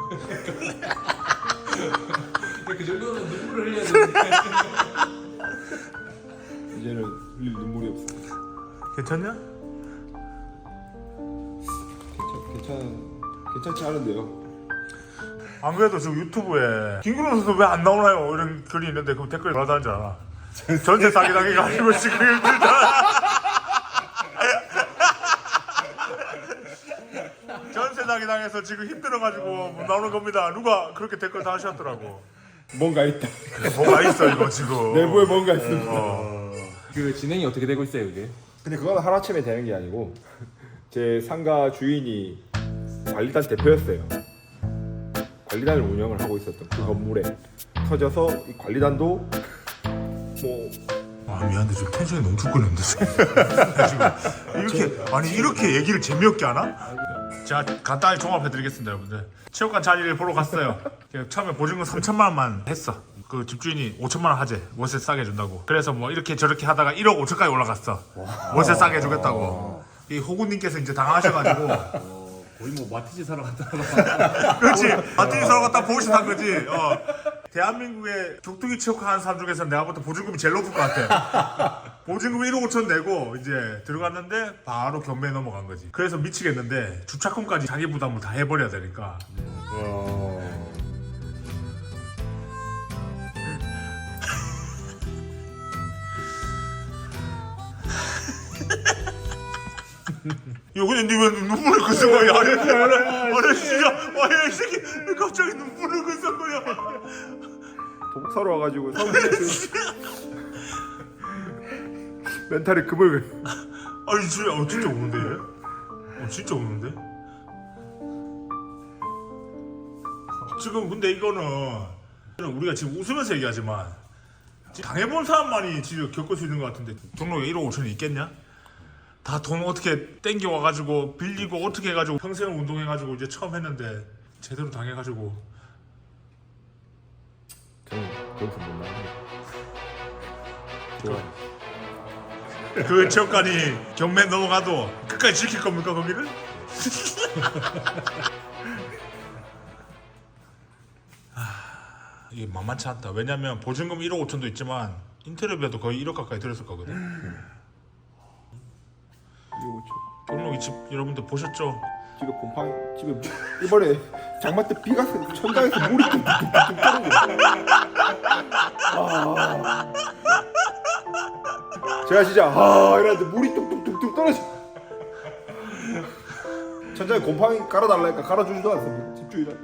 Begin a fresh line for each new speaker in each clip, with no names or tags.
그 정도면 눈물을 흘려야 되는데.
이제는 흘릴 눈물이 없어.
괜찮냐?
괜찮지 않은데요?
안 그래도 지금 유튜브에 김구름 선수 왜 안 나오나요? 이런 글이 있는데 그 댓글에 돌아다니는 줄 알아. 전세 사기당해가 아니면 지금 힘들다. 전세 사기당해서 지금 힘들어가지고 못 나오는 겁니다. 누가 그렇게 댓글 다 하셨더라고.
뭔가 있다.
뭐가 있어 이거 지금.
내부에 뭔가 있습니다.
그 진행이 어떻게 되고 있어요, 이게?
근데 그건 하루아침에 되는 게 아니고 제 상가 주인이 관리단 대표였어요. 관리단을 운영을 하고 있었던 그 건물에 터져서 이 관리단도 뭐
아 미안한데 지금 텐션이 너무 죽겠는데 지금 이렇게 아니 이렇게 얘기를 재미없게 하나? 제가 간단히 종합해드리겠습니다 여러분들. 체육관 자리를 보러 갔어요. 처음에 보증금 3천만 원만 했어. 그 집주인이 5천만 원 하재 월세 싸게 해준다고. 그래서 뭐 이렇게 저렇게 하다가 1억 5천까지 올라갔어. 월세 싸게 해주겠다고. 이 호구님께서 이제 당하셔가지고
거의 뭐 마티즈 사러 갔다.
그렇지. 마틴이 서로 갖다 보시한 거지. 대한민국의 격투기 체육관 하는 사람 중에서 내가 볼 때 보증금이 제일 높을 것 같아. 보증금 1억 5천 내고 이제 들어갔는데 바로 경매에 넘어간 거지. 그래서 미치겠는데 주차금까지 자기 부담을 다 해버려야 되니까. 야 근데 니왜 눈물을 그슨 거야? 아니 진짜 아니 이 새끼 왜 갑자기 눈물을 그슨 거야?
도복 사러 와가지고 멘탈이 금을
아니 진짜 우는데 얘? 진짜 우는데? 지금 근데 이거는 우리가 지금 웃으면서 얘기하지만 당해본 사람만이 지금 겪을 수 있는 것 같은데 등록에 1억 5천이 있겠냐? 다 돈 어떻게 땡겨와가지고 빌리고 어떻게 해가지고 평생을 운동해가지고 이제 처음 했는데 제대로 당해가지고
저는 거기서 못 나가요. 좋아.
그 체육관이 경매 넘어가도 끝까지 지킬 겁니까 거기를? 이게 만만치 않다. 왜냐면 보증금 1억 5천도 있지만 인테리어비도 거의 1억 가까이 들었을 거거든.
이거
경록이 집 여러분들 보셨죠?
집에 곰팡이 집에 이번에 장마 때 비가 천장에서 물이 뚝뚝뚝 떨어져. 제가 진짜 이랬는데 물이 뚝뚝뚝뚝 떨어져. 천장에 곰팡이 깔아달라니까 깔아주지도 않습니다. 집주인은.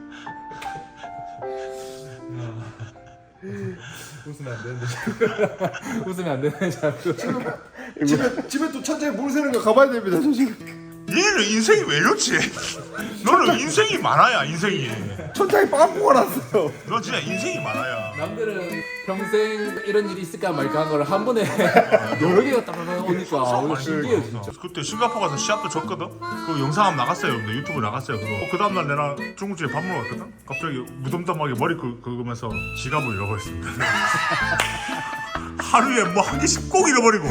웃으면 안 되는데. 웃으면 안 되네 자꾸.
집에 또 천장에 물 새는 거 가봐야 됩니다. 저 지금.
얘는 인생이 왜 이렇지? 너는 인생이 많아야 인생이.
천장에 빵꾸가 났어요.
너 진짜 인생이 많아야.
남들은 평생 이런 일이 있을까 말까 한 걸 한 번에 여러 개가 따라다가 오니까 오늘 신기해요 진짜.
그때 싱가포르 가서 시합도 졌거든? 그 영상 한번 나갔어요 여러분들. 유튜브 나갔어요 그거. 그 다음날 내가 중국집에 밥 먹으러 갔거든? 갑자기 무덤덤하게 머리 긁으면서 지갑을 잃어버렸습니다. 하루에 뭐 한 개씩 꼭 잃어버리고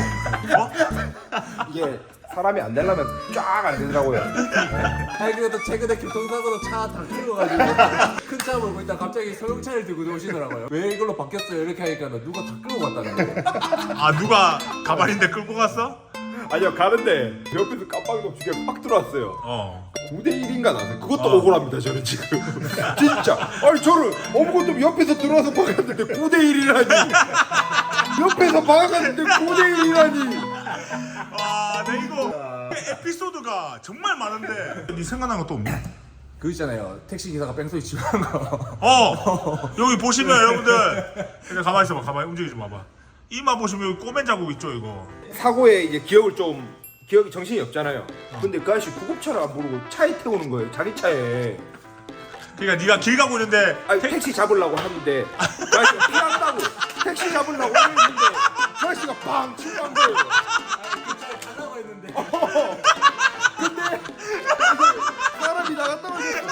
이게 사람이 안 되려면 쫙 안 되더라고요.
아니 그래도 최근에 교통사고로 차 다 끌어가지고 큰 차 몰고 있다 갑자기 소형차를 들고 오시더라고요. 왜 이걸로 바뀌었어요 이렇게 하니까 누가 다 끌고 갔다는 거예요.
아 누가 가발인데 끌고 갔어?
아니요 가는데 옆에서 깜빡이도 두개 팍 들어왔어요. 9대 1인가 나서 그것도 억울합니다 저는 지금. 진짜 아니 저를 아무것도 옆에서 들어와서 박았는데 9대 1이라니. 옆에서 박았는데 9대 1이라니.
내 이거 에피소드가 정말 많은데 네 생각난 것도 없니?
그 있잖아요 택시 기사가 뺑소니 치고 하는 거.
여기 보시면 여러분들 그냥 가만히 있어봐. 가만히 움직이지 마봐. 이마 보시면 여기 꼬맨 자국 있죠 이거.
사고에 이제 기억이 정신이 없잖아요. 근데 그 아저씨 구급차를 안 부르고 차에 태우는 거예요. 자기 차에.
그러니까 네가 길 가고 있는데
아니 택시 잡으려고 하는데 그 아저씨가 피한다고 택시 잡으려고 했는데 그 아저씨가 팡 치고 간 거예요.
가려고 했는데.
근데 사람이 나가 떨어졌어요.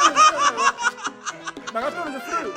나가 떨어졌어요.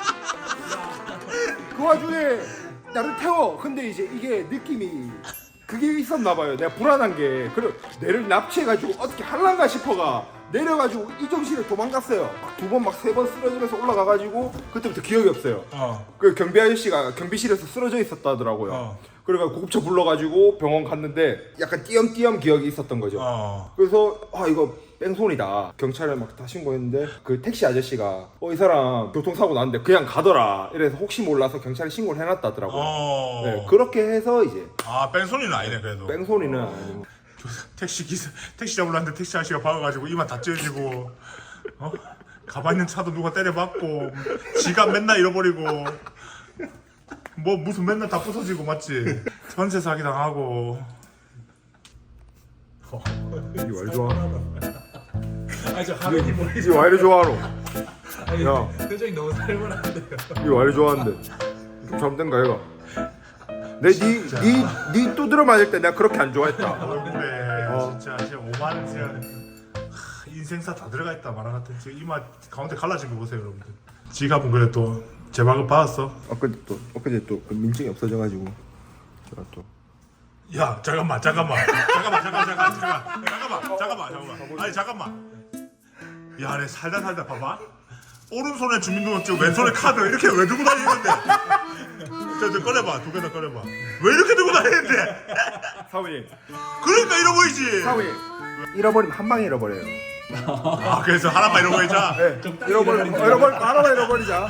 그 와중에 나를 태워. 근데 이제 이게 느낌이 그게 있었나 봐요. 내가 불안한 게 그래 내를 납치해가지고 어떻게 할란가 싶어가 내려가지고 이정실에 도망갔어요. 막 2번 막 3번 쓰러지면서 올라가가지고 그때부터 기억이 없어요. 그 경비 아저씨가 경비실에서 쓰러져 있었다더라고요. 그래가 구급차 불러가지고 병원 갔는데 약간 띄엄띄엄 기억이 있었던 거죠. 그래서 아 이거 뺑소니다. 경찰에 막 다 신고했는데 그 택시 아저씨가 이 사람 교통사고 났는데 그냥 가더라. 이래서 혹시 몰라서 경찰에 신고를 해놨다더라고요. 네, 그렇게 해서 이제
뺑소니는 아니네 그래도.
뺑소니는 아니고.
택시 잡으려 했는데 택시 아저씨가 박아가지고 이만 다 찢어지고 가방 있는 차도 누가 때려박고 지갑 맨날 잃어버리고 뭐 무슨 맨날 다 부서지고 맞지? 전세 사기 당하고.
이게 왜 좋아?
아니 저 화면이 보이지.
이게 왜 이리 좋아하노?
아니
야.
표정이 너무 살벌한데요.
이게 왜 이리 좋아하는데? 좀 잘못된가 얘가? 니 두드려 맞을 때 내가 그렇게 안 좋아했다.
얼굴에 진짜 5만 진짜 인생사 다 들어가 있다 말아 같은 지금 이마 가운데 갈라진 거 보세요 여러분들. 지갑은 그래 또 제발급 받았어?
엊그제 또 그 민증이 없어져가지고 제가 또.
야 잠깐만 아니 잠깐만 야 내 살다 봐봐 오른손에 주민등록증 왼손에 카드 이렇게 왜 들고 다니는데 저 꺼내봐 2개 다 꺼내봐 왜 이렇게 들고 다니는데
사모님
그러니까 잃어버리지
사모님 잃어버리면 한 방에 잃어버려요.
그래서 하나만 잃어버리자.
네, 잃어버리면 하나만 잃어버리자.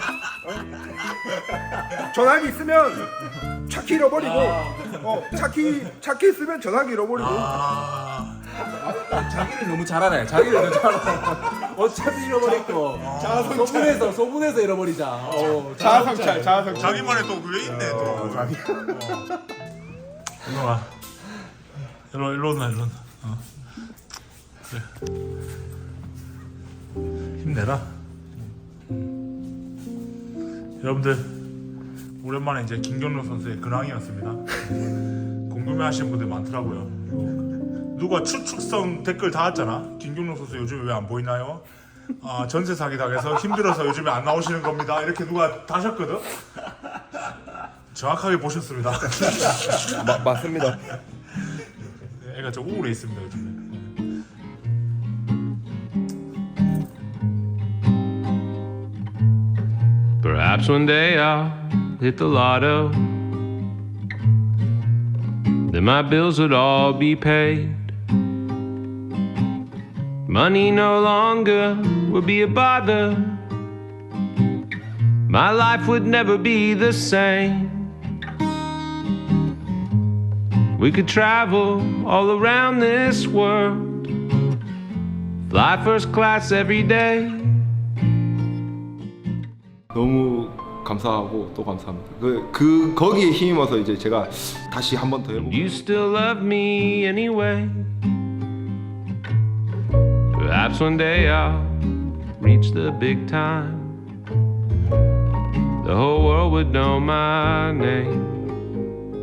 전화기 있으면 차키 잃어버리고 차키 있으면 전화기 잃어버리고.
자기를 너무 잘 알아요. 자기를 너무 잘 알아요. 어차피 잃어버릴 거. 소분해서 잃어버리자.
자아성찰.
자기만의 또 그게 있네 또.
자기.
일로 와. 일로 온나. 그래. 힘내라. 여러분들 오랜만에 이제 김경록 선수의 근황이었습니다. 궁금해하시는 분들 많더라고요. 누가 추측성 댓글 달았잖아. 김경록 선수 요즘에 왜 안 보이나요? 전세 사기 당해서 힘들어서 요즘에 안 나오시는 겁니다. 이렇게 누가 다셨거든. 정확하게 보셨습니다.
맞습니다.
애가 좀 우울해 있습니다 요즘에.
Perhaps one day I'll hit the lotto. Then my bills would all be paid. Money no longer would be a bother. My life would never be the same. We could travel all around this world. Fly first class every day.
너무 감사하고 또 감사합니다. 거기에 힘입어서 이제 제가 다시 한 번 더 해보고.
You still love me anyway. Perhaps one day I'll reach the big time. The whole world would know my name.